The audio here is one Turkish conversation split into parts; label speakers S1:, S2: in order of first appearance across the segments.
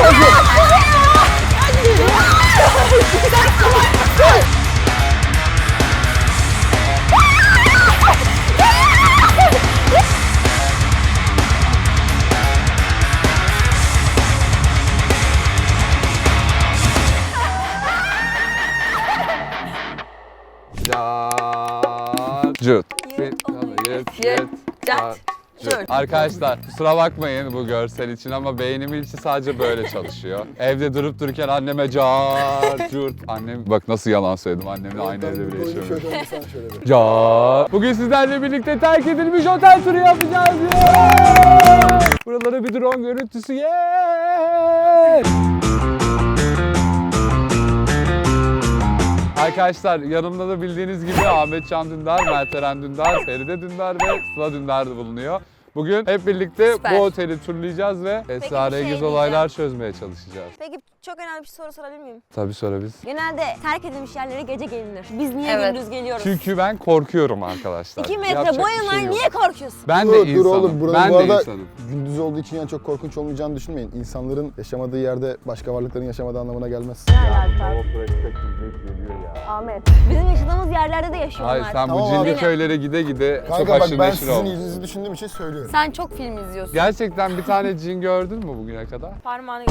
S1: Arkadaşlar kusura bakmayın bu görsel için ama beynimin içi sadece böyle çalışıyor. Evde durup dururken anneme cart. Annem bak nasıl yalan söyledim, annemle aynı evde bile yaşıyorum. Bugün sizlerle birlikte terk edilmiş otel turu yapacağız. Buralara bir drone görüntüsü. Arkadaşlar yanımda da bildiğiniz gibi Ahmet Can Dündar, Mert Eren Dündar, Feride Dündar ve Sıla Dündar da bulunuyor. Bugün hep birlikte bu oteli turlayacağız ve esrarengiz olaylar çözmeye çalışacağız.
S2: Peki çok önemli bir soru sorabilir miyim?
S1: Tabii sorabiliriz.
S2: Genelde terk edilmiş yerlere gece gelinir. Biz niye gündüz geliyoruz?
S1: Çünkü ben korkuyorum arkadaşlar.
S2: 2 metre boyun var, niye korkuyorsun?
S1: Ben de insanım.
S3: Dur oğlum,
S1: ben
S3: bu
S1: de
S3: arada
S1: insanım.
S3: gündüz olduğu için yani çok korkunç olmayacağını düşünmeyin. İnsanların yaşamadığı yerde başka varlıkların yaşamadığı anlamına gelmez.
S2: Ne alaka? Ahmet. Bizim yaşadığımız yerlerde de yaşıyorlar.
S1: Hayır sen
S3: Tamam
S1: bu cinli
S3: abi.
S1: köylere gide gide çok
S3: Kanka bak,
S1: aşırı
S3: ben
S1: neşir
S3: sizin
S1: oldum.
S3: iyiliğinizi düşündüğüm için söylüyorum.
S4: Sen çok film izliyorsun.
S1: Gerçekten bir tane cin gördün mü bugüne kadar?
S2: Parmağını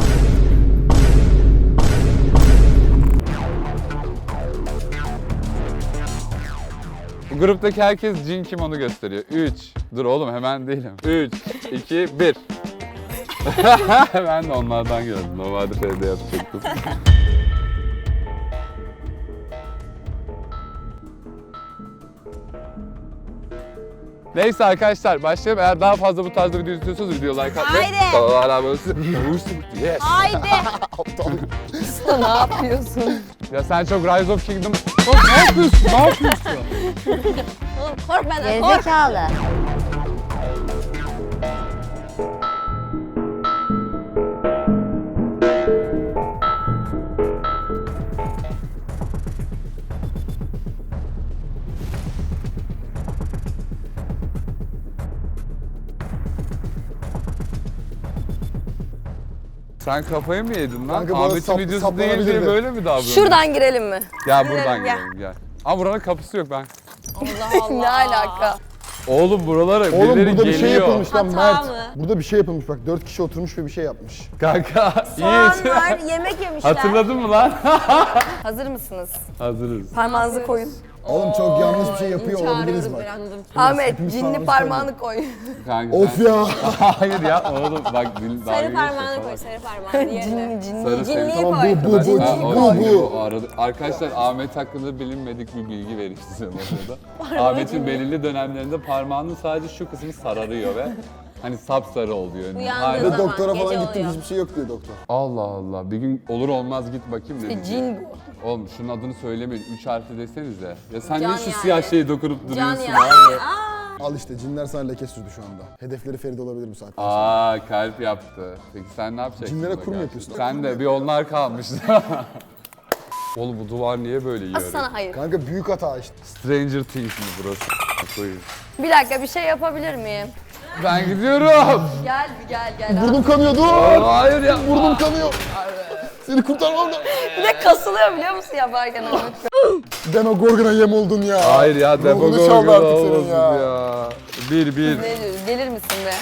S1: Bu gruptaki herkes cin kim onu gösteriyor. 3. Dur oğlum hemen değilim. 3, 2, 1. Ben de onlardan gördüm. Normalde şeyde yapacaktım. Neyse arkadaşlar başlayalım. Eğer daha fazla bu tarzda video istiyorsanız video like atmayı.
S2: Haydi.
S1: Hala böyle yes.
S2: Haydi.
S4: Ne yapıyorsun?
S1: Ya sen çok Rise of Kingdom... Oğlum ne yapıyorsun? Ne yapıyorsun?
S2: Oğlum kork benden, kork.
S4: Gerizekalı.
S1: Sen kafayı mı yedin lan?
S3: Kanka, bana
S1: Ahmet'in videosu değil diye
S3: saplanabilirdi.
S1: böyle mi davranıyorsun?
S4: Şuradan girelim mi?
S1: Gel buradan
S2: Gel.
S1: girelim gel. Ama buranın kapısı yok ben.
S2: Allah Allah.
S4: Ne alaka?
S1: Oğlum buralara
S3: Oğlum
S1: birileri
S3: burada
S1: geliyor.
S3: bir şey yapılmış lan
S2: Hata
S3: Mert.
S2: mı?
S3: Burada bir şey yapılmış bak, 4 kişi oturmuş ve bir şey yapmış.
S1: Kanka
S2: Soğan
S1: Yiğit.
S2: var, yemek yemişler.
S1: Hatırladın mı lan?
S4: Hazır mısınız?
S1: Hazırız.
S4: Parmağınızı koyun.
S3: Oğlum çok yanlış bir şey yapıyor olabiliriz
S2: Çağırıyorum,
S3: bak.
S2: beğendim.
S4: Ahmet
S3: hepimiz
S4: cinli
S3: parmağımızı
S4: parmağını koy.
S1: Kanka,
S3: Of ya.
S1: Hayır ya oğlum bak dil dalga
S2: Sarı parmağını
S1: geçiyor
S2: koy,
S1: falan.
S2: sarı parmağını yerine.
S4: Cinli.
S1: Sarı
S2: Cinliği
S1: senin.
S3: Tamam
S2: koy.
S3: bu
S1: Ha,
S3: bu.
S1: o arada. Arkadaşlar Ahmet hakkında bilinmedik bir bilgi vereyim size burada. Ahmet'in belirli dönemlerinde parmağının sadece şu kısmı sararıyor ve hani sapsarı oluyor.
S2: Uyandığı
S1: Aynen.
S3: Ve
S2: zaman
S3: doktora
S2: gece
S3: falan gittim,
S2: oluyor.
S3: hiçbir şey yok diyor doktor.
S1: Allah Allah bir gün olur olmaz git bakayım dedim.
S4: Cin bu.
S1: Oğlum şunun adını söylemeyin. 3 harfli desenize. Ya sen
S2: Can
S1: niye şu
S2: yani.
S1: siyah şeyi dokunup
S2: Can
S1: duruyorsun
S2: ya.
S1: abi?
S3: Al işte, cinler sana leke sürdü şu anda. Hedefleri Feride olabilir bu saatten sonra.
S1: Aa kalp yaptı. Peki sen ne yapacaksın?
S3: Cinlere
S1: da
S3: kur mu
S1: gerçekten?
S3: yapıyorsun?
S1: Sen de bir onlar kalmıştı. Oğlum bu duvar niye böyle yiyor?
S4: Asıl sana hayır.
S3: Kanka büyük hata işte.
S1: Stranger Things mi burası? Koyayım.
S4: Bir dakika bir şey yapabilir miyim?
S1: Ben gidiyorum.
S4: Gel.
S3: Burnum kanıyor, dur.
S1: Hayır ya.
S3: Burnum kanıyor. Seni kurtarmam da.
S4: Bir de kasılıyor biliyor musun yaparken Ahmet?
S3: Ben o Gorgon'a yem oldun ya.
S1: Hayır ya
S3: Ruhunu
S1: Demogorgon
S3: çaldı artık senin
S1: olmasın
S3: ya.
S1: ya. Bir.
S4: Ne diyorsun? Gelir misin be?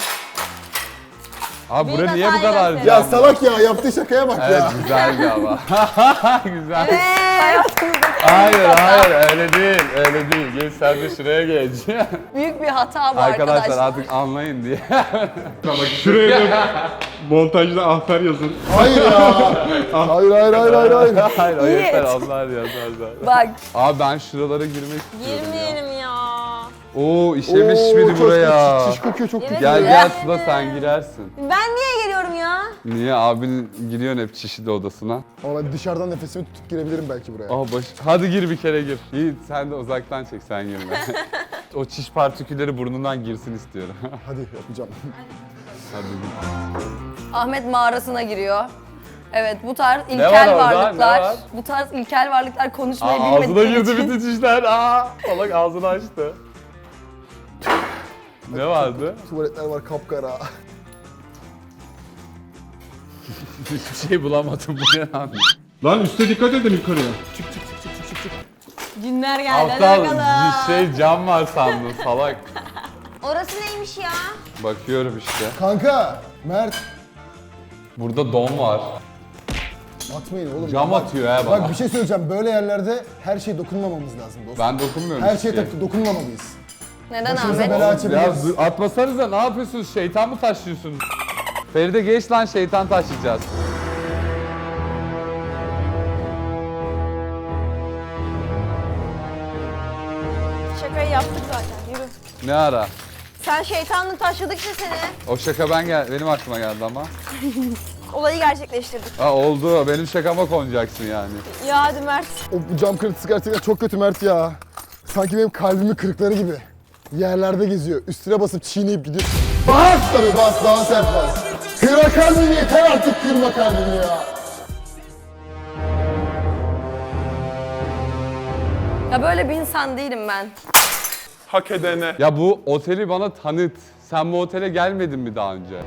S1: Abi bura
S2: Büyük
S1: niye bu
S2: hatayı
S1: kadar
S2: gösteriyor.
S3: Ya salak ya, yaptığı şakaya bak
S1: Evet
S3: ya.
S1: güzeldi ama. Güzel.
S4: Hayatımızda
S1: Hayır öyle değil. Gel sen de şuraya geç.
S4: büyük bir hata bu
S1: Arkadaşlar
S4: arkadaşlar.
S1: artık anlayın diye.
S5: Şuraya da montajda ahtar yazın.
S3: Hayır ya. Hayır.
S1: Hayır o
S4: Yiğit.
S1: yeter onlar yazarlar.
S4: Bak
S1: Abi ben şuralara girmek istiyorum ya.
S2: Girmeyelim ya.
S1: Oo işemiş
S3: Oo,
S1: biri
S3: çok
S1: buraya.
S3: Çiş kokuyor, çok kötü.
S1: Gel Sıla sen girersin.
S2: Ben niye geliyorum ya?
S1: Niye abin giriyorsun hep çişli odasına?
S3: Ama ben dışarıdan nefesimi tutup girebilirim belki buraya.
S1: Hadi gir bir kere gir. Yiğit sen de uzaktan çek sen girme. O çiş partikülleri burnundan girsin istiyorum.
S3: Hadi yapacağım.
S1: Hadi gir.
S4: Ahmet mağarasına giriyor. Evet bu tarz
S1: var
S4: ilkel
S1: orada?
S4: varlıklar,
S1: Ne var?
S4: bu tarz ilkel varlıklar konuşmayı
S1: Ağzına
S4: bilmedikleri
S1: girdi
S4: için.
S1: bütün çişler. Salak ağzını açtı. Ne vardı?
S3: Tuvaletler var kapkara.
S1: Hiçbir şey bulamadım bu ne lan?
S5: Lan üste dikkat edin yukarıya.
S2: Cinler geldi. Hadi
S1: Aptal
S2: bakalım.
S1: cam var sandım salak.
S2: Orası neymiş ya?
S1: Bakıyorum işte.
S3: Kanka, Mert.
S1: Burada don var.
S3: Atmayın oğlum.
S1: Cam
S3: Bak-
S1: atıyor ha bana.
S3: Bak bir şey söyleyeceğim. Böyle yerlerde her şeye dokunmamamız lazım dostum.
S1: Ben dokunmuyorum
S3: Her
S1: hiç
S3: şeye
S1: şeye.
S3: dokunmamalıyız.
S4: Neden
S3: Başımıza
S4: Ahmet?
S3: bela
S1: Ya
S3: açabiliriz.
S1: dur, atmasanıza ne yapıyorsunuz? Şeytan mı taşıyorsunuz? Feride geç lan şeytan taşıyacağız.
S2: Şakayı yaptık zaten. Yürü.
S1: Ne ara?
S2: Sen şeytanla taşladıkça seni.
S1: O şaka benim aklıma geldi ama.
S2: Olayı gerçekleştirdik.
S1: Ha oldu. Benim şakama konacaksın yani.
S2: Ya hadi Mert.
S3: O cam kırıntısı gerçekten çok kötü Mert ya. Sanki benim kalbimin kırıkları gibi. Yerlerde geziyor. Üstüne basıp çiğneyip gidiyor. Bas tabii bas, daha sert bas. Kırma kalbimi, yeter artık kırma kalbimi ya.
S4: Ya böyle bir insan değilim ben.
S5: Hak edene.
S1: Ya bu oteli bana tanıt. Sen bu otele gelmedin mi daha önce?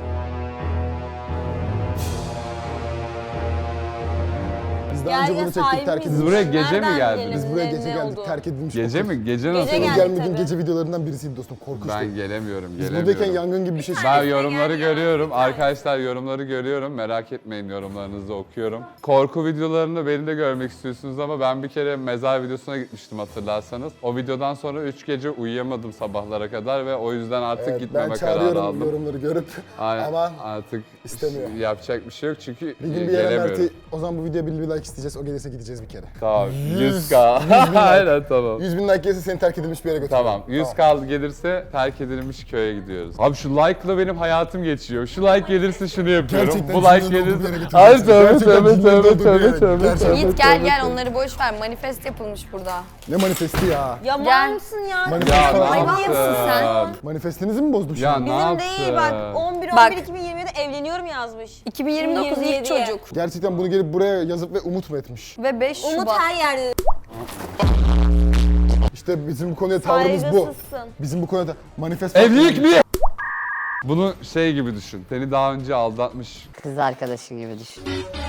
S3: Biz daha önce bunu çektik, terk
S1: Biz
S3: edilmiş.
S1: buraya gece mi geldiniz?
S3: Biz buraya gece geldik, terk edilmiş.
S1: Gece mi? Gece nasıl?
S2: Gece
S3: Benim
S2: geldik
S3: gelmediğim
S2: tabii.
S3: gece videolarından birisiydi dostum, korkunçtu.
S1: Ben gelemiyorum,
S3: Biz
S1: gelemiyorum.
S3: buradayken yangın gibi bir şey çıktı.
S1: Ben yorumları görüyorum. Arkadaşlar yorumları görüyorum. Merak etmeyin, yorumlarınızı okuyorum. Korku videolarını beni de görmek istiyorsunuz ama ben bir kere mezar videosuna gitmiştim hatırlarsanız. O videodan sonra 3 gece uyuyamadım sabahlara kadar ve o yüzden artık
S3: Evet,
S1: gitmeme
S3: ben
S1: kararı
S3: çağırıyorum
S1: aldım.
S3: yorumları görüp
S1: Aynen,
S3: ama
S1: artık
S3: istemiyor.
S1: yapacak bir şey yok çünkü
S3: bir gün bir yere
S1: gelemiyorum.
S3: Mert'i, o zaman bu videoya bir like isteyeceğiz, o gelirse gideceğiz bir kere.
S1: Tamam, 100k. Aynen tamam.
S3: 100 bin like gelirse seni terk edilmiş bir yere götürürüm.
S1: Tamam, 100k gelirse terk edilmiş köye gidiyoruz. Abi şu like'la benim hayatım geçiyor. Şu like gelirse şunu yapıyorum.
S3: Gerçekten
S1: Bu like
S3: cümlenin olduğu bir yere
S1: gelirse...
S3: götürüyorsun.
S1: Ay tövbe
S3: Gerçekten
S1: tövbe
S3: cümlenin
S1: tövbe
S3: olduğu bir yere.
S1: tövbe tövbe
S3: Gerçekten.
S1: tövbe.
S4: Yiğit gel
S1: tövbe,
S4: gel
S1: tövbe.
S4: onları boş ver. Manifest yapılmış burada.
S3: Ne manifesti ya?
S2: Ya
S4: Gel.
S2: mal mısın ya?
S3: Manifest
S1: Ya
S3: falan.
S1: ne
S4: Hayvan mısın sen?
S1: yaptın?
S3: Manifestinizi mi bozdum
S1: Ya
S3: şimdi?
S1: ne
S2: Bizim
S1: yaptın?
S2: değil bak 11
S4: Bak.
S2: 2027'de evleniyorum yazmış.
S4: 2029 ilk
S2: 27'ye.
S4: çocuk.
S3: Gerçekten bunu gelip buraya yazıp ve umut mu etmiş?
S4: Ve 5
S2: Umut
S4: Şubat.
S2: her yerde.
S3: İşte bizim bu konuya tavrımız bu.
S2: Saygısızsın.
S3: Bizim bu konuda manifest...
S1: Evlilik mi? Bunu şey gibi düşün. Seni daha önce aldatmış.
S6: Kız arkadaşı gibi düşün.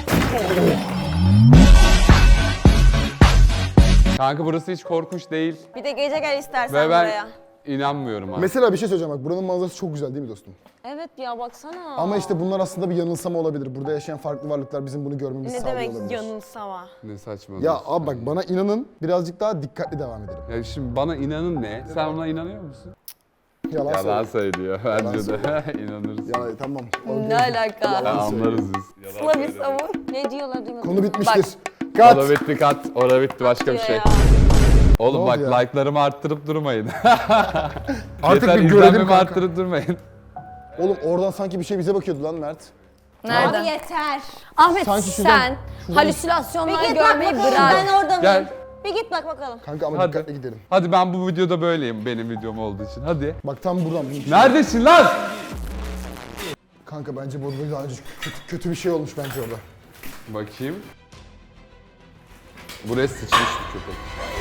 S1: Kanka burası hiç korkunç değil.
S2: Bir de gece gel istersen
S1: Ve ben
S2: buraya.
S1: inanmıyorum abi.
S3: Mesela bir şey söyleyeceğim bak, buranın manzarası çok güzel değil mi dostum?
S2: Evet ya baksana.
S3: Ama işte bunlar aslında bir yanılsama olabilir. Burada yaşayan farklı varlıklar bizim bunu görmemizi
S2: ne
S3: sağlıyor
S2: demek
S3: olabilir.
S2: yanılsama?
S1: Ne saçma.
S3: Ya abi bak, bana inanın, birazcık daha dikkatli devam edelim.
S1: Ya şimdi bana inanın ne? Sen ona inanıyor musun?
S3: Yalan
S1: Yalan
S3: söyle.
S1: söylüyor. Bence de. İnanırız.
S3: Ya tamam.
S4: Ne alaka?
S1: Ya anlarız biz.
S4: Sıla bir savun.
S2: Ne diyorlar duymadım.
S3: Konu bitmiştir.
S1: Orada
S3: Kat.
S1: bitti kat. Orada bitti başka bir şey.
S2: Ya.
S1: Oğlum
S3: Ne
S1: bak
S3: oldu ya?
S1: like'larımı arttırıp durmayın.
S3: Artık
S1: Yeter
S3: bir görelim
S1: izlenmemi
S3: kanka.
S1: arttırıp durmayın.
S3: Oğlum oradan sanki bir şey bize bakıyordu lan Mert.
S4: Nerede?
S2: Abi yeter.
S4: Ahmet
S3: Sanki
S4: sen
S3: şuradan-
S2: Bir
S4: halüsinasyonlar
S2: git bak
S4: görmeyi
S2: bakalım
S4: bırak.
S2: ben orada
S1: Gel.
S2: mıyım? Bir git bak bakalım.
S3: Kanka ama
S1: Hadi.
S3: dikkatli gidelim.
S1: Hadi ben bu videoda böyleyim benim videom olduğu için. Hadi.
S3: Bak tam buradan.
S1: Neredesin lan?
S3: Kanka bence burada daha önce kötü bir şey olmuş bence orada.
S1: Bakayım. Buraya sıçmış bir köpek.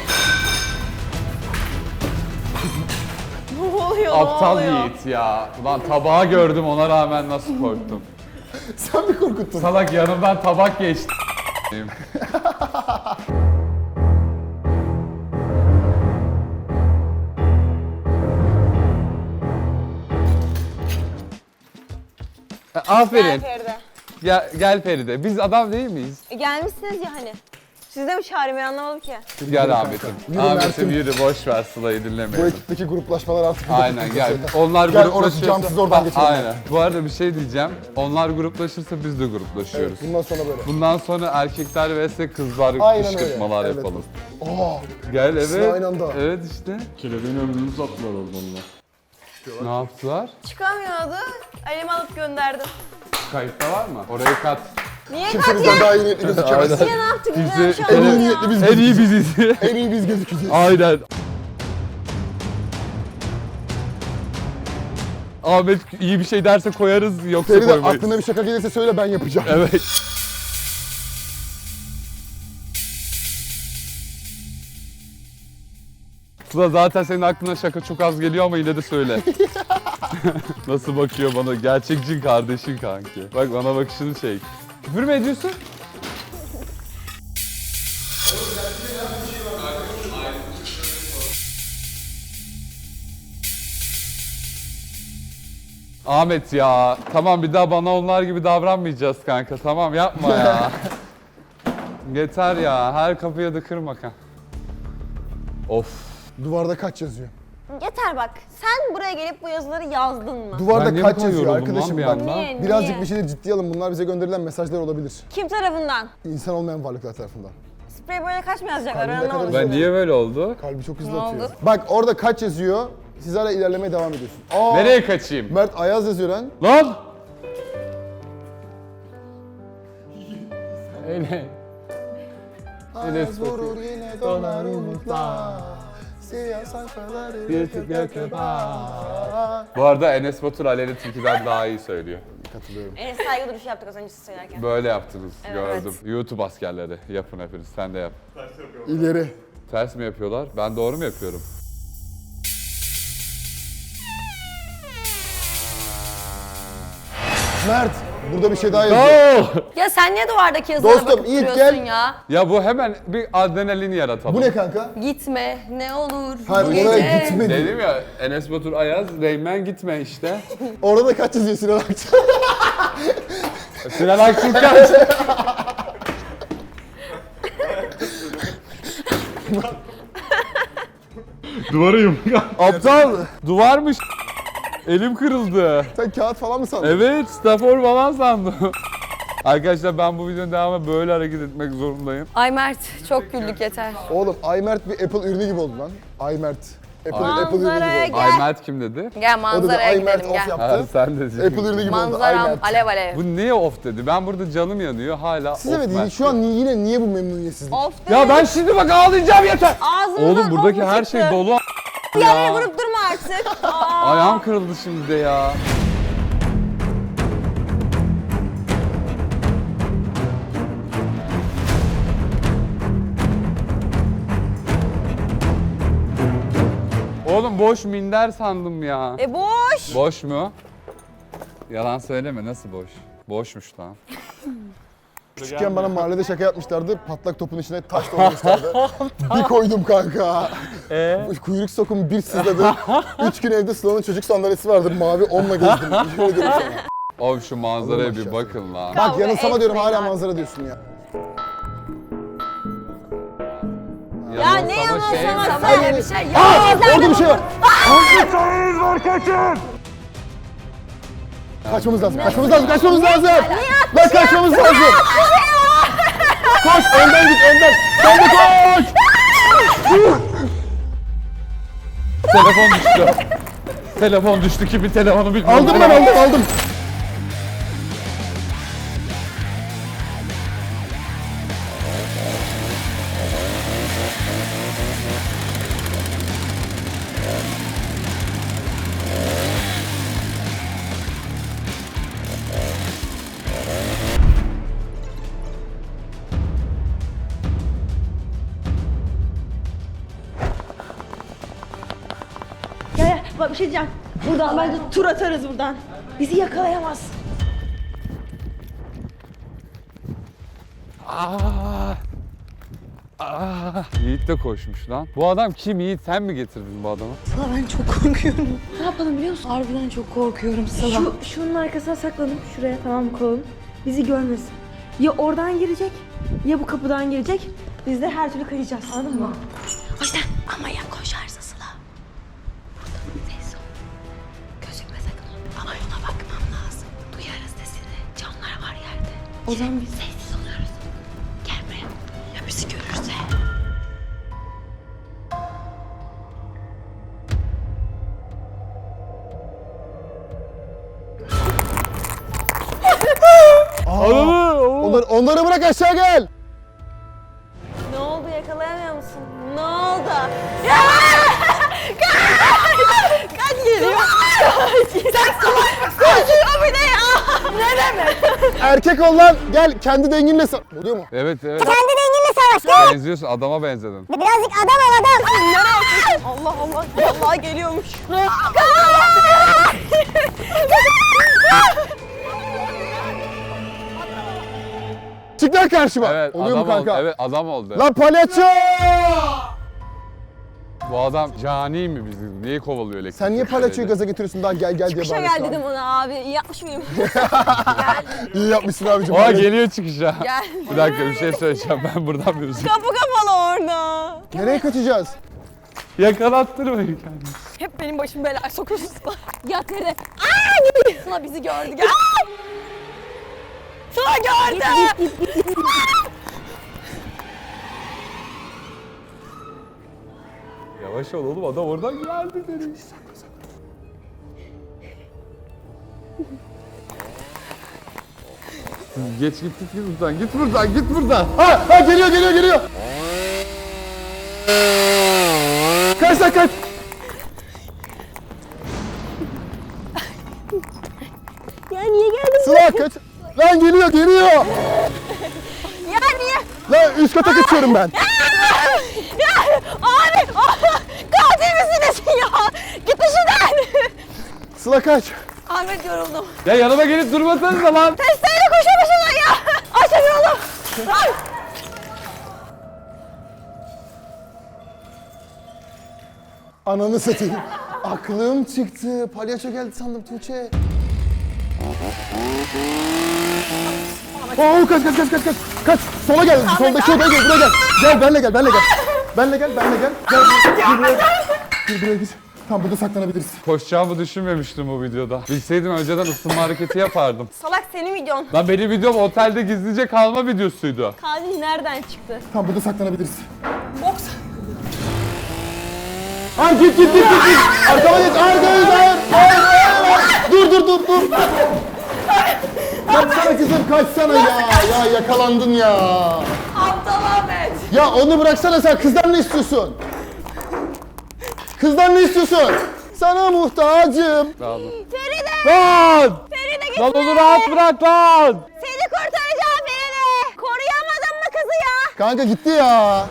S2: Ne oluyor?
S1: Aptal
S2: ne oluyor?
S1: Yiğit ya. Ulan tabağı gördüm ona rağmen nasıl korktum.
S3: Sen mi korkuttun?
S1: Salak yanımdan tabak geçti. Aferin.
S2: Gel Feride.
S1: Gel Feride. Biz adam değil miyiz?
S2: Gelmişsiniz ya hani. Siz de mi çağırayım ben anlamadım ki.
S1: Gel Ahmet'im.
S3: Yürü
S1: Ahmet'im
S3: Mert'im.
S1: yürü boş ver Sıla'yı
S3: Bu
S1: dinlemeyelim.
S3: ekipteki gruplaşmalar artık...
S1: Aynen gel. Onlar
S3: Gel, orası
S1: gruplaşırsa...
S3: camsız, oradan geçelim.
S1: Aynen. Bu arada bir şey diyeceğim. Onlar gruplaşırsa biz de gruplaşıyoruz.
S3: Evet, bundan sonra böyle.
S1: Bundan sonra erkekler vs kızlar
S3: Aynen
S1: kışkırtmalar
S3: öyle.
S1: yapalım.
S3: Aa,
S1: Gel
S3: İkisini
S1: evet.
S3: aynı anda.
S1: Evet işte.
S5: Kelebeğin ömrünü uzattılar orada onlar.
S1: Ne yaptılar?
S2: Çıkamıyordu. Elimi alıp gönderdim.
S1: Kayıtta var mı? Orayı kat.
S2: Niye
S3: kimse
S2: kat
S3: bizden
S2: ya?
S3: daha iyi niyetli gözükemez.
S2: Niye ne yaptık?
S1: Bizi-
S2: Güzel şu an
S3: En iyi
S2: ya.
S3: niyetli biz
S1: En iyi
S3: gözükeceğiz.
S1: biziz.
S3: En iyi biz gözükeceğiz.
S1: Aynen. Ahmet iyi bir şey derse koyarız yoksa
S3: Feride
S1: koymayız.
S3: aklına bir şaka gelirse söyle, ben yapacağım.
S1: Evet. Sıla zaten senin aklına şaka çok az geliyor ama yine de söyle. Nasıl bakıyor bana? Gerçek cin kardeşin kanki. Bak bana bakışını çek. Küfür mü ediyorsun? Ahmet ya, tamam bir daha bana onlar gibi davranmayacağız kanka. Tamam yapma ya. Yeter ya, her kapıya da kırma kanka. Of.
S3: Duvarda kaç yazıyor?
S2: Yeter bak. Sen buraya gelip bu yazıları yazdın mı?
S3: Duvarda
S1: Ben niye
S3: kaç
S1: bu kadar
S3: yazıyor
S1: yoruldum
S3: arkadaşım
S1: lan
S3: bak.
S1: bir anda?
S2: Niye?
S3: Birazcık
S2: Niye?
S3: bir şeyleri ciddiye alın. Bunlar bize gönderilen mesajlar olabilir.
S2: Kim tarafından?
S3: İnsan olmayan varlıklar tarafından.
S2: Sprey böyle kaç mı yazacaklar?
S3: Kalbine
S2: Öyle ne
S3: kadar
S2: olur?
S1: Ben niye böyle oldu?
S3: Kalbi çok hızlı
S4: Ne
S3: atıyor.
S4: oldu?
S3: Bak orada kaç yazıyor. Siz hala ilerlemeye devam ediyorsun. Aa,
S1: Nereye kaçayım?
S3: Mert Ayaz yazıyor lan.
S1: Lan! Öyle.
S3: Ayaz vurur yine donar umutlar. Siyah sayfaları
S1: Bu arada Enes Batur Aleyna Tilki'den daha iyi söylüyor.
S3: Katılıyorum.
S2: En saygı duruşu yaptık az önce siz söylerken.
S1: Böyle yaptınız,
S2: Evet.
S1: gördüm. YouTube askerleri, yapın hepiniz, sen de yap.
S3: İleri.
S1: Ters mi yapıyorlar? Ben doğru mu yapıyorum?
S3: Mert, burada bir şey daha yazıyor.
S4: Ya sen niye duvardaki yazılara
S3: Dostum,
S4: bakıp
S3: Yiğit,
S4: duruyorsun
S3: gel.
S4: ya?
S1: Ya bu hemen bir adrenalin yaratalım.
S3: Bu ne kanka?
S4: Gitme ne olur
S3: Hayır,
S4: bu
S3: oraya
S4: gece.
S3: gitme.
S1: Dedim ya Enes Batur Ayaz, Reymen gitme işte.
S3: Orada da kaç yazıyor Sinan Akçıl?
S1: Sinan Akçıl kaç?
S5: Duvara yumruk.
S1: Aptal, duvarmış. Elim kırıldı.
S3: Sen kağıt falan mı sandın?
S1: Evet, Stafor falan sandım. Arkadaşlar ben bu videonun devamında böyle hareket etmek zorundayım.
S4: Ay Mert çok güldük yeter.
S3: Oğlum Aymert bir Apple ürünü gibi oldu lan. Aymert. Apple ürünü
S2: Manzaraya
S3: gibi oldu.
S2: gel.
S1: Ay Mert kim dedi?
S4: Gel
S3: O da
S4: manzaraya
S3: Aymert
S4: gidelim
S3: off
S4: gel.
S1: Ha,
S3: yaptı.
S1: sen de.
S3: Apple ürünü gibi oldu.
S4: Manzaram
S3: Aymert.
S4: alev alev.
S1: Bu niye off dedi? Ben burada canım yanıyor hala
S3: Siz
S1: off
S3: evet
S1: Mert
S3: şu an
S1: diyor.
S3: yine niye bu memnuniyetsizlik?
S2: Of
S1: Ya ben şimdi bak ağlayacağım yeter.
S2: Ağzımdan
S1: Oğlum buradaki
S2: of
S1: her
S2: çıktı.
S1: şey dolu
S2: Yere
S1: ya.
S2: vurup durma artık. Aa.
S1: Ayağım kırıldı şimdi de ya. Oğlum boş minder sandım ya.
S2: Boş.
S1: Boş mu? Yalan söyleme, nasıl boş? Boşmuş lan.
S3: Küçükken bana mahallede şaka yapmışlardı. Patlak topun içine taş doldurmuşlardı. Bir koydum kanka. Kuyruk sokumu bir sızladı. 3 gün evde Sıla'nın çocuk sandalyesi vardı. Mavi onunla gezdim. Yemin ediyorum sana.
S1: Oğlum şu manzaraya
S3: Allah
S1: bir
S3: aşkına.
S1: bakın lan.
S3: Bak yanılsama diyorum hala
S2: etmeyin
S3: manzara diyorsun ya.
S2: Ya ne
S1: Yanılsama
S2: yalan
S1: şey-
S2: sana
S4: Böyle bir şey yok.
S3: Orada bir şey var. Kaçmamız lazım, kaçmamız lazım, kaçmamız lazım. Lan kaçmamız lazım. Koş, önden git, önden. Sen de koş.
S1: Telefon düştü. Telefon düştü, kimin telefonu bilmiyorum.
S3: Aldım ben, aldım.
S2: Gel bak bir şey diyeceğim. Buradan bence tur atarız buradan. Bizi yakalayamaz.
S1: Yiğit de koşmuş lan. Bu adam kim Yiğit? Sen mi getirdin bu adamı?
S2: Ben çok korkuyorum.
S6: Ne yapalım biliyor musun? Harbiden çok korkuyorum Sıla.
S2: Şunun arkasına saklanıp şuraya tamam mı koyalım. Bizi görmesin. Ya oradan girecek ya bu kapıdan girecek. Biz de her türlü kaçacağız. Anladın mı?
S6: O yüzden ama ya koşarsa Sıla. Burada ses ol. Gözükme sakın. Ama ona bakmam lazım. Duyarız sesini. Canlar var yerde. O zaman biz sessiz oluyoruz. Gel buraya. Ya bizi görürse?
S3: Onları bırak aşağı gel.
S2: Ne oldu yakalayamıyor musun? Ne oldu? Kaç geliyor? Sen salak koşuyor bir de ya. Ne demek?
S3: Erkek ol lan. Gel kendi denginle oluyor mu?
S1: Evet evet.
S2: Kendi denginle savaş.
S1: Benziyorsun, adama benzedin.
S2: Birazcık adam ol adam. Nereye? Allah Allah. Vallahi geliyormuş.
S3: Çık lan karşıma.
S1: Evet
S3: Oluyor mu
S1: adam oldu.
S3: kanka?
S1: Evet adam oldu.
S3: Lan palyaço!
S1: Bu adam cani mi bizi? Niye kovalıyor elektrik?
S3: Sen niye palyaçoyu gaza getiriyorsun daha gel diye
S4: Çıkışa
S3: bağırıyorsun
S4: gel
S3: abi?
S4: dedim ona abi. İyi yapmış mıyım?
S3: İyi yapmışsın abicim.
S1: Oha geliyor çıkışa.
S4: Gel.
S1: Bir dakika bir şey söyleyeceğim ben buradan bir
S4: Kapı kapalı orada.
S3: Nereye kaçacağız?
S1: Yakalattırmayın kendini.
S4: Hep benim başım belaya sokuyorsun. Yat nerede? Aaa gibi. Sıla bizi gördü. Gel. Sıla gördü.
S1: Yavaş ol oğlum adam oradan geldi dedi. Geç git buradan git buradan git buradan.
S3: Ha geliyor. Kaç lan kaç.
S4: Ya niye geldin?
S3: Sıla kaç. Lan geliyor.
S4: Ya niye?
S3: Lan üst kata kaçıyorum ben.
S4: Ya abi. Katil misiniz ya? Git işinden.
S3: Sıla kaç.
S4: Ahmet yoruldum.
S1: Ya yanıma gelip durmasanıza lan.
S4: Testeyle koşamışsın ya. Açın oğlum. Ay.
S3: Ananı satayım. Aklım çıktı. Palyaço geldi sandım Tuğçe. Oo kaç. Kaç. Sola gel. Soldaki odaya gel. Buraya gel. Gel benle gel. Benle gel. Gel buraya git. Tamam burada saklanabiliriz.
S1: Koşacağımı düşünmemiştim bu videoda. Bilseydim önceden ısınma hareketi yapardım.
S4: Salak senin videon.
S1: Lan benim videom otelde gizlice kalma videosuydu.
S4: Katil nereden çıktı?
S3: Tamam burada saklanabiliriz.
S4: Boks.
S3: Hayır git. Arkama geç. Hayır. Dur. Kaçsana kızım kaçsana ya. Ya yakalandın ya.
S4: Aptal Ahmet.
S3: Ya onu bıraksana sen. Kızdan ne istiyorsun? Sana muhtacım.
S4: Feride.
S1: Lan!
S4: Feride git.
S1: Lan onu rahat bırak lan!
S4: Seni kurtaracağım Feride. Koruyamadın mı kızı ya?
S3: Kanka gitti ya.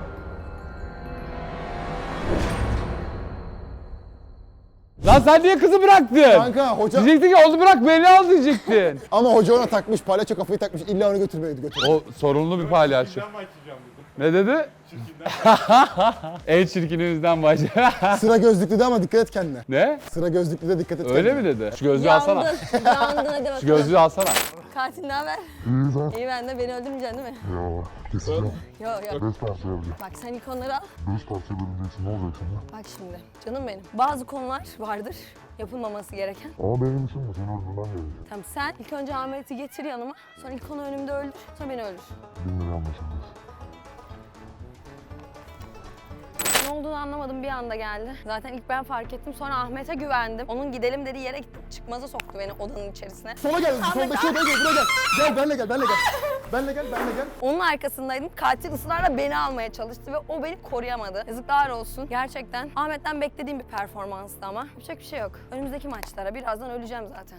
S1: Lan sen niye kızı bıraktın?
S3: Kanka hoca...
S1: Diyecektin ki onu bırak beni al diyecektin.
S3: Ama hoca ona takmış. Palyaço kafayı takmış. İlla onu götür.
S1: O sorunlu bir palyaço.
S5: Ben mi açacağım dedim.
S1: Ne dedi? En çirkinimizden başla.
S3: Sıra gözlüklü de ama dikkat et kendine.
S1: Ne?
S3: Sıra gözlüklü de dikkat et
S1: Öyle
S3: kendine.
S1: mi dedi? Şu gözlüğü alsana.
S4: Yandın hadi bakalım.
S1: Şu gözlüğü alsana.
S4: Katil ne haber? İyi ben de beni öldürmeyeceksin değil mi?
S7: Ya keseceğim.
S4: Yok.
S7: 5 parça yapacağım.
S4: Bak sen ilk onları al.
S7: 5 parça bölüneceksin ne olacak şimdi?
S4: Bak şimdi canım benim. Bazı konular vardır yapılmaması gereken.
S7: Ama benim için mi? Seni öldürmem gerekiyor.
S4: Tamam sen ilk önce Ahmet'i getir yanıma. Sonra ilk onu önümde öldür. Sonra beni öldür.
S7: Benimle anlaşılmaz.
S4: Ne olduğunu anlamadım bir anda geldi. Zaten ilk ben fark ettim. Sonra Ahmet'e güvendim. Onun gidelim dediği yere gittim. Çıkmaza soktu beni odanın içerisine.
S3: Sola gel. Soldaki odaya gel. Buraya gel. Gel benle gel. Benle gel.
S4: Onun arkasındaydım. Katil ısrarla beni almaya çalıştı ve o beni koruyamadı. Yazıklar olsun. Gerçekten Ahmet'ten beklediğim bir performanstı ama. Yapacak bir şey yok. Önümüzdeki maçlara birazdan öleceğim zaten.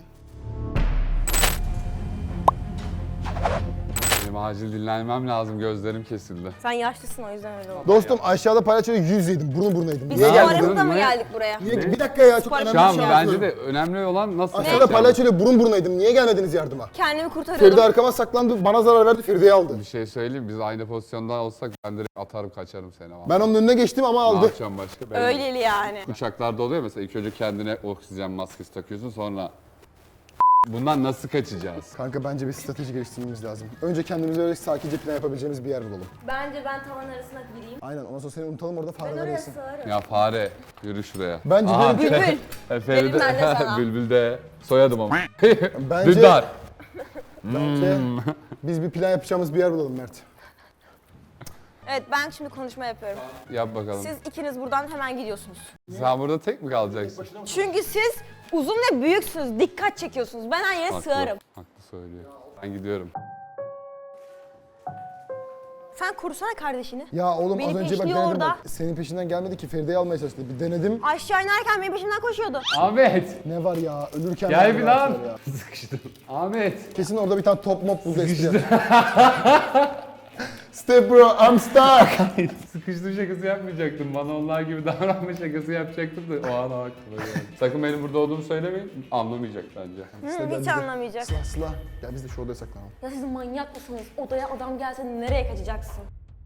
S1: Benim acil dinlenmem lazım. Gözlerim kesildi.
S4: Sen yaşlısın o yüzden öyle oldu.
S3: Dostum aşağıda palyaçoyla yüz yedim. Burun yedim.
S4: Biz
S3: Niye
S1: Ne
S3: geldin?
S1: yaptın?
S4: aramızda mı
S1: Ne?
S4: geldik buraya?
S3: Bir dakika ya çok
S4: Şu
S3: önemli
S1: Şu an
S3: bir şey
S1: bence
S3: yapıyorum.
S1: de önemli olan nasıl
S3: Aşağıda
S1: yapacağım?
S3: palyaçoyla burun. Niye gelmediniz yardıma?
S4: Kendimi kurtarıyordum.
S3: Feride arkama saklandı. Bana zarar verdi. Feride'yi aldı.
S1: Bir şey söyleyeyim biz aynı pozisyonda olsak ben direkt atarım kaçarım seni.
S3: Ben onun önüne geçtim ama
S1: Ne
S3: aldı.
S1: yapacağım başka? Ben
S4: Öyleli yani.
S1: Uçaklarda oluyor mesela ilk önce kendine oksijen maskesi takıyorsun sonra bundan nasıl kaçacağız?
S3: Kanka bence bir strateji geliştirmemiz lazım. Önce kendimize öyle sakince plan yapabileceğimiz bir yer bulalım.
S4: Bence ben tavan arasına gireyim.
S3: Aynen ondan sonra seni unutalım orada fareler
S4: Oraya
S3: yesin.
S4: sığarım.
S1: Ya fare yürü şuraya.
S3: Bence
S1: Aha,
S3: benim-
S4: Bülbül.
S1: Feride,
S4: Benim ben de sana.
S1: Bülbül de soyadım ama.
S3: Bence-
S1: Dündar.
S3: Bence biz bir plan yapacağımız bir yer bulalım Mert.
S4: Evet ben şimdi konuşma yapıyorum.
S1: Yap bakalım.
S4: Siz ikiniz buradan hemen gidiyorsunuz.
S1: Sen burada tek mi kalacaksın?
S4: Çünkü siz uzun ve büyüksünüz. Dikkat çekiyorsunuz. Ben her yere sığarım.
S1: Haklı söylüyor. Ben gidiyorum.
S4: Sen korusana kardeşini.
S3: Ya oğlum
S4: Beni
S3: az önce bak
S4: peşliyor
S3: denedim
S4: orada.
S3: bak. Senin peşinden gelmedi ki Feride'yi almaya çalıştı. Bir denedim.
S4: Aşağı inerken benim peşimden koşuyordu.
S1: Ahmet.
S3: Ne var ya ölürken
S1: Gel
S3: verdi
S1: bir
S3: rahatlar
S1: lan.
S3: ya.
S1: Sıkıştım. Ahmet.
S3: Kesin orada bir tane top mop buldu espri. Step bro, I'm stuck.
S1: Sıkıştırma şakası yapmayacaktım. Bana onlar gibi davranma şakası yapacaktım da o an aklıma geldi. Sakın benim burada olduğumu söylemeyin. Anlamayacak bence.
S4: Hiç anlamayacak.
S3: Sıla, gel biz de şu odaya saklanalım.
S4: Ya siz manyak mısınız? Odaya adam gelse nereye kaçacaksın?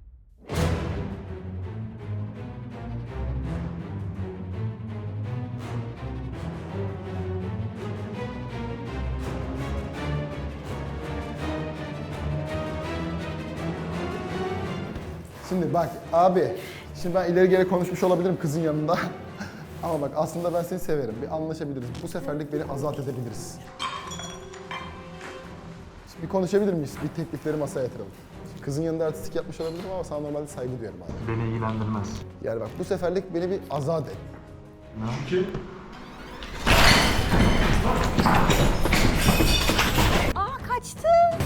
S3: Şimdi bak abi, şimdi ben ileri geri konuşmuş olabilirim kızın yanında. Ama bak aslında ben seni severim. Bir anlaşabiliriz. Bu seferlik beni azat edebiliriz. Şimdi bir konuşabilir miyiz? Bir teklifleri masaya yatıralım. Şimdi kızın yanında artistik yapmış olabilirim ama sana normalde saygı duyuyorum abi.
S7: Beni ilgilendirmez.
S3: Yani bak bu seferlik beni bir azat et.
S4: Aa kaçtı.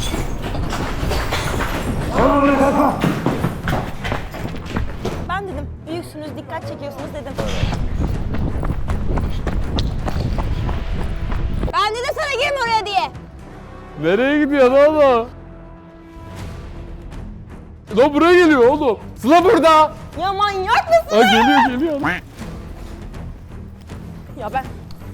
S4: Ben dedim büyüksünüz, dikkat çekiyorsunuz dedim. Ben dedim sana girme oraya diye.
S1: Nereye gidiyorsun oğlum? Lan buraya geliyor oğlum. Sıla burada.
S4: Ya manyak mısın?
S1: Aa, geliyor.
S4: Ya ben...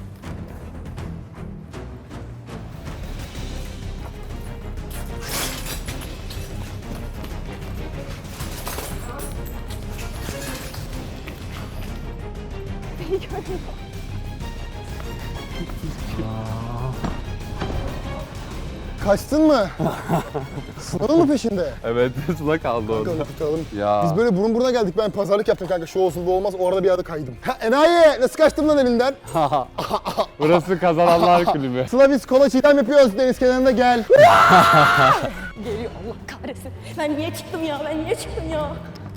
S3: Kaçtın mı? Sınavın mı peşinde?
S1: Evet, Sıla kaldı orada.
S3: Bakalım tutalım.
S1: Ya.
S3: Biz böyle burun buruna geldik. Ben pazarlık yaptım kanka. Şu olsun bu olmaz. Orada bir yerde kaydım. Ha enayi! Nasıl kaçtım lan elinden?
S1: Burası kazananlar kulübü.
S3: Sıla biz kola çiğdem yapıyoruz. Deniz kenarında gel.
S4: Geliyor Allah kahretsin. Ben niye çıktım ya? Ben niye çıktım ya?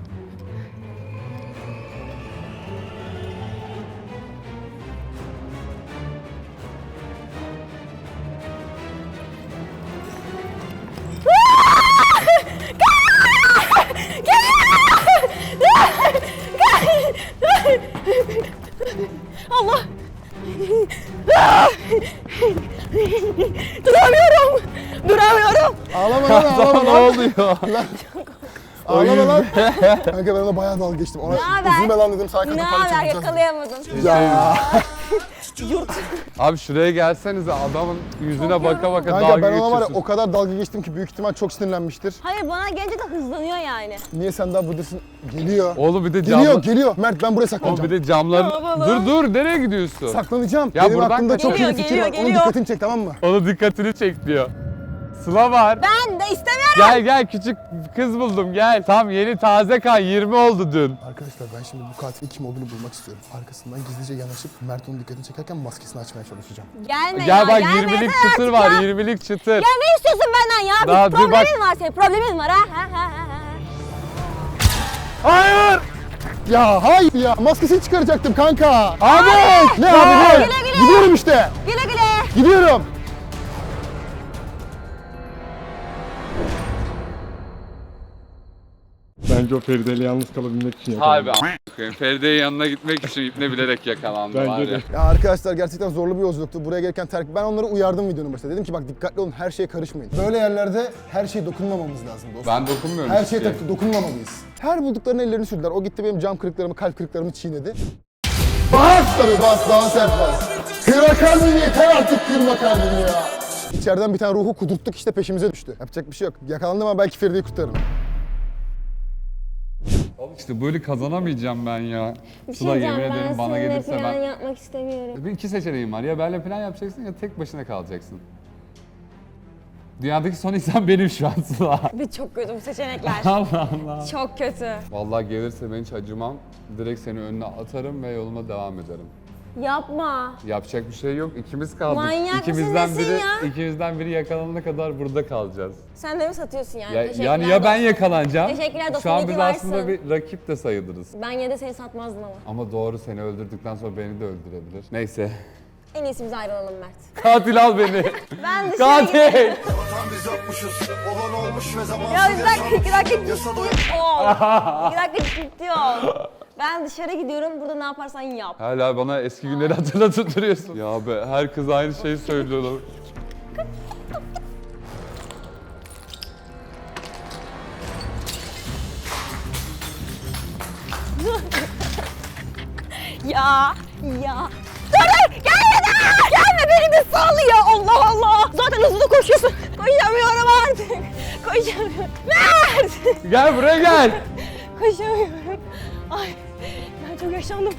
S4: Allah! Duramıyorum! Duramıyorum!
S3: Ağlama lan ağlama
S1: Ne
S3: lan.
S1: oluyor?
S3: Ağlama lan. Kanka ben ona bayağı dalga geçtim. Ona
S4: haber?
S3: üzülme lan dedim. Sana kadın
S4: Ne
S3: para
S4: haber
S3: çekeceğiz.
S4: yakalayamadım.
S3: Ya.
S1: Abi şuraya gelsenize adamın yüzüne baka baka
S3: Kanka
S1: dalga
S3: ben ona var ya
S1: geçiyorsun.
S3: o kadar dalga geçtim ki büyük ihtimal çok sinirlenmiştir.
S4: Hayır bana gelince de hızlanıyor yani.
S3: Niye sen daha buradasın? Geliyor.
S1: Oğlum bir de
S3: Geliyor. Mert ben buraya
S1: Oğlum
S3: saklanacağım.
S1: bir de camların...
S4: Ne yapalım?
S1: Dur nereye gidiyorsun?
S3: Saklanacağım.
S1: Ya
S3: Benim
S1: buradan
S3: aklımda çok iyi
S4: Geliyor,
S3: bir fikir var.
S4: geliyor.
S3: Onun dikkatini çek tamam mı?
S1: Onun dikkatini çek diyor. Sıla var.
S4: Ben de istemiyorum.
S1: Gel küçük kız buldum gel. Tam yeni taze kan 20 oldu dün.
S3: Arkadaşlar ben şimdi bu katilin kim olduğunu bulmak istiyorum. Arkasından gizlice yanaşıp Mert onun dikkatini çekerken maskesini açmaya çalışacağım.
S4: Gelme
S1: Gel
S4: ya,
S1: bak
S4: gelme
S1: 20'lik
S4: yeter
S1: çıtır
S4: artık
S1: var
S4: ya.
S1: 20'lik çıtır.
S4: Ya ne istiyorsun benden ya?
S1: Daha
S4: Bir
S1: dur bak.
S4: problemin var senin, problemin var ha?
S1: Hayır.
S3: Ya hayır ya maskesini çıkaracaktım kanka.
S1: Abi.
S3: Ne abi ne?
S4: Güle güle.
S3: Gidiyorum işte.
S4: Güle güle.
S3: Gidiyorum.
S5: Bence o Feride'yle yalnız kalabilmek için
S1: Harbi
S5: yakalandı.
S1: a**ayım. Feride'ye yanına gitmek için ipne bilerek yakalandı
S5: Bence
S1: var ya.
S5: de.
S3: Ya arkadaşlar gerçekten zorlu bir yolculuktu. Buraya gelirken ben onları uyardım videonun başında. Dedim ki bak dikkatli olun her şeye karışmayın. Böyle yerlerde her şeye dokunmamamız lazım dostum.
S1: Ben dokunmuyorum
S3: Her
S1: hiç
S3: şeye
S1: ki.
S3: dokunmamalıyız. Her bulduklarını ellerini sürdüler. O gitti benim cam kırıklarımı, kalp kırıklarımı çiğnedi. Bas tabii bas, daha sert bas. Kırma kalbini yeter artık kırma kalbini ya. İçeriden bir tane ruhu kudurttuk işte peşimize düştü. Yapacak bir şey yok. Yakalandım ama belki Feride'yi kurtarırım.
S1: İşte böyle kazanamayacağım ben ya.
S4: Bir şey
S1: Sıla yemin
S4: diyeceğim,
S1: ederim
S4: ben
S1: bana
S4: seninle
S1: gelirse
S4: plan
S1: ben...
S4: yapmak istemiyorum.
S1: Bir iki seçeneğim var. Ya benimle plan yapacaksın ya tek başına kalacaksın. Dünyadaki son insan benim şu an Sıla.
S4: Bir çok kötü bu seçenekler.
S1: Allah Allah.
S4: Çok kötü.
S1: Vallahi gelirse ben hiç acımam. Direkt seni önüne atarım ve yoluma devam ederim.
S4: Yapma.
S1: Yapacak bir şey yok. İkimiz kaldık.
S4: Manyak mısın, nesin ya?
S1: İkimizden biri yakalanana kadar burada kalacağız.
S4: Sen de mi satıyorsun yani?
S1: Ya,
S4: Teşekkürler
S1: yani ya ben
S4: dostum.
S1: yakalanacağım.
S4: Teşekkürler dostum,
S1: Şu an
S4: iyi
S1: biz
S4: ki
S1: aslında
S4: varsın.
S1: bir rakip de sayılırız.
S4: Ben yine de seni satmazdım ama.
S1: Ama doğru seni öldürdükten sonra beni de öldürebilir. Neyse.
S4: En iyisi biz ayrılalım Mert.
S1: Katil al beni.
S4: Ben dışarı gideyim.
S1: Katil.
S4: Ya bir dakika, 2 dakika ciddi ol. 2 dakika ciddi ol. Ben dışarı gidiyorum, burada ne yaparsan yap.
S1: Hala bana eski günleri hatırlatıp duruyorsun. Ya be her kız aynı şeyi söylüyor.
S4: Ya. Dur gelme beni de sallıyor Allah Allah. Zaten hızlı koşuyorsun. Koşamıyorum artık. Koşamıyorum. Mert.
S1: Gel buraya gel.
S4: Koşamıyorum. Ay ben çok yaşlandım.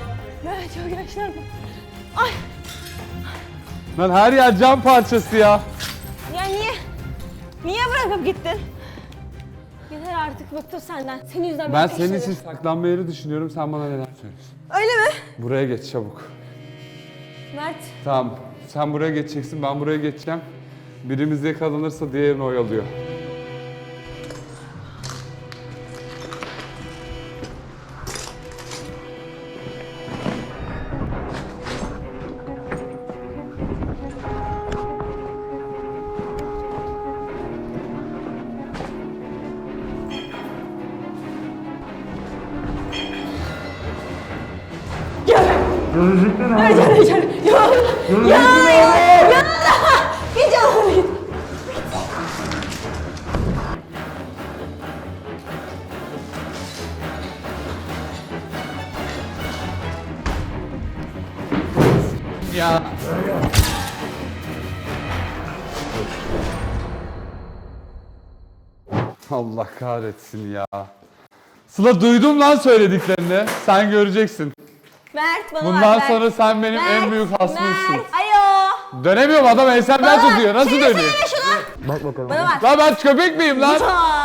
S4: Ay
S1: Lan her yer cam parçası ya.
S4: ya niye bırakıp gittin? Yeter artık bıktım senden. Senin yüzünden
S1: Ben
S4: beni
S1: senin
S4: peşledim.
S1: için saklanma yeri düşünüyorum. Sen bana neler söylüyorsun?
S4: Öyle mi?
S1: Buraya geç çabuk.
S4: Mert.
S1: Tamam. Sen buraya geçeceksin. Ben buraya geçeceğim. Birimiz yakalanırsa diğerini oyalıyor.
S4: Hiç alamayın.
S1: Ya. Allah kahretsin ya. Sıla duydum lan söylediklerini. Sen göreceksin.
S4: Mert bana
S1: Bundan
S4: bak,
S1: sonra
S4: Mert.
S1: sen benim en
S4: Mert,
S1: büyük hasmımsın.
S4: Mert. Ayo.
S1: Dönemiyorum adam ensemden tutuyor. Nasıl
S4: Çevirsene
S1: dönüyor?
S4: şunu.
S3: Bak bakalım.
S4: Bana bak.
S1: Lan ben köpek miyim lan?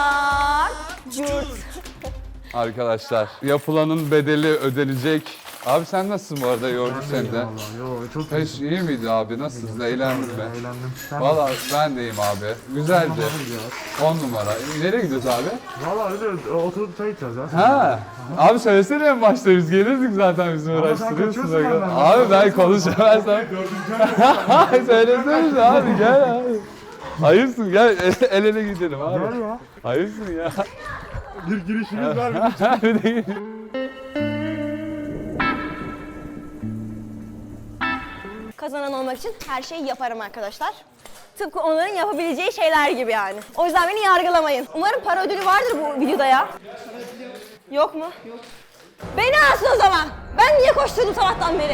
S4: Curt.
S1: Arkadaşlar yapılanın bedeli ödenecek. Abi sen nasılsın bu arada? Yorduk seni de.
S5: Yo çok
S1: Hiç iyi miydi abi? Nasılsın? Eğlendin mi?
S5: eğlendim. Sen
S1: Valla ben de iyiyim abi. Güzeldi. 10 numara. Nereye gidiyoruz abi?
S5: valla öyle oturup çay içeceğiz ya.
S1: Ha. Abi söylesene en başta biz gelirdik zaten bizim uğraştırıyorsun.
S5: kaçıyorsun benden.
S1: Abi ben konuşamazsam. Söylesene abi gel abi. Hayırsın gel el ele gidelim abi.
S5: Gel ya.
S1: Hayırsın ya.
S5: Bir girişimiz var.
S1: Bir de gidelim.
S4: Kazanan olmak için her şeyi yaparım arkadaşlar. Tıpkı onların yapabileceği şeyler gibi yani. O yüzden beni yargılamayın. Umarım para ödülü vardır bu videoda ya. Yok mu? Yok. Beni alsın o zaman. Ben niye koşturdum sabahtan beri?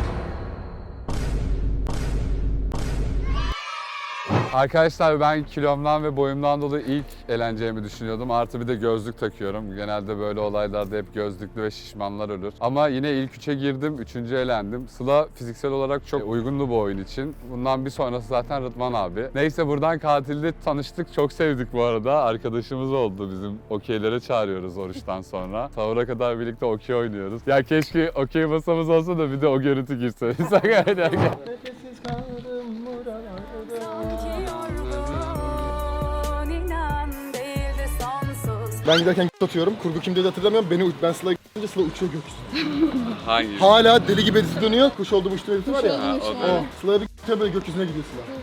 S1: Arkadaşlar ben kilomdan ve boyumdan dolayı ilk eğleneceğimi düşünüyordum. Artı bir de gözlük takıyorum. Genelde böyle olaylarda hep gözlüklü ve şişmanlar ölür. Ama yine ilk 3'e girdim, 3. elendim. Sıla fiziksel olarak çok uygunlu bu oyun için. Bundan bir sonrası zaten Rıdvan abi. Neyse buradan katilde tanıştık. Çok sevdik bu arada. Arkadaşımız oldu bizim. Okeylere çağırıyoruz oruçtan sonra. Sahura kadar birlikte okey oynuyoruz. Ya keşke okey masamız olsa da bir de o görüntü girse.
S3: Ben giderken atıyorum. Kurgu kimde de hatırlamıyorum. Ben Sıla'ya gidince Sıla uçuyor gökyüzüne.
S1: Hangi?
S3: Hala deli gibi edisi dönüyor. Kuş olduğum uçtuğum edisi var ya.
S1: o
S3: O. Sıla'ya bir gidiyor böyle gökyüzüne gidiyor Sıla.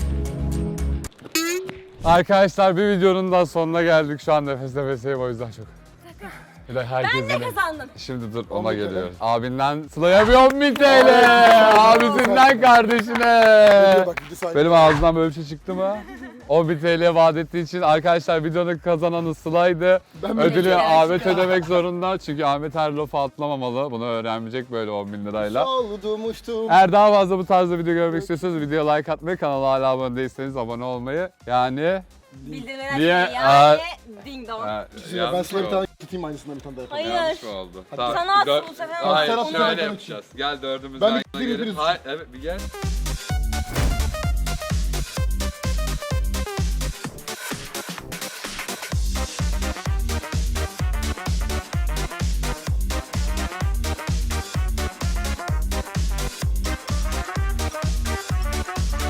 S1: Arkadaşlar bir videonun daha sonuna geldik. Şu an nefes nefeseyim o yüzden çok. Bir de herkes
S4: Ben de
S1: yine-
S4: kazandım.
S1: Şimdi dur ona geliyor. Abinden Sıla'ya bir 10.000 TL. Abisinden kardeşine.
S3: Bak bir saniye.
S1: Benim ağzımdan böyle bir şey çıktı mı? 10.000 TL vaat ettiği için arkadaşlar videonun kazananı Sıla'ydı. Ödülü Ahmet ödemek zorunda. Çünkü Ahmet her lafı atlamamalı. Bunu öğrenmeyecek böyle 10.000 lirayla.
S3: Oldum uçtum.
S1: Eğer daha fazla bu tarzda video görmek istiyorsanız videoya like atmayı, kanala hala abone değilseniz abone olmayı. Yani...
S4: Bildirimler
S1: Niye?
S4: açmayı yani ding dong.
S3: Ben Sıla'ya bir tane gideyim aynısından bir tane daha yapalım.
S4: Hayır.
S1: Yanlış mı oldu?
S4: Sana at bu sefer.
S1: Hayır
S3: Sen at,
S1: şöyle
S3: ben
S1: yapacağız. Gel dördümüz
S3: Ben
S1: yan
S3: bir
S1: yana
S3: gideyim,
S1: gelip.
S3: biriniz.
S1: Hayır evet bir gel.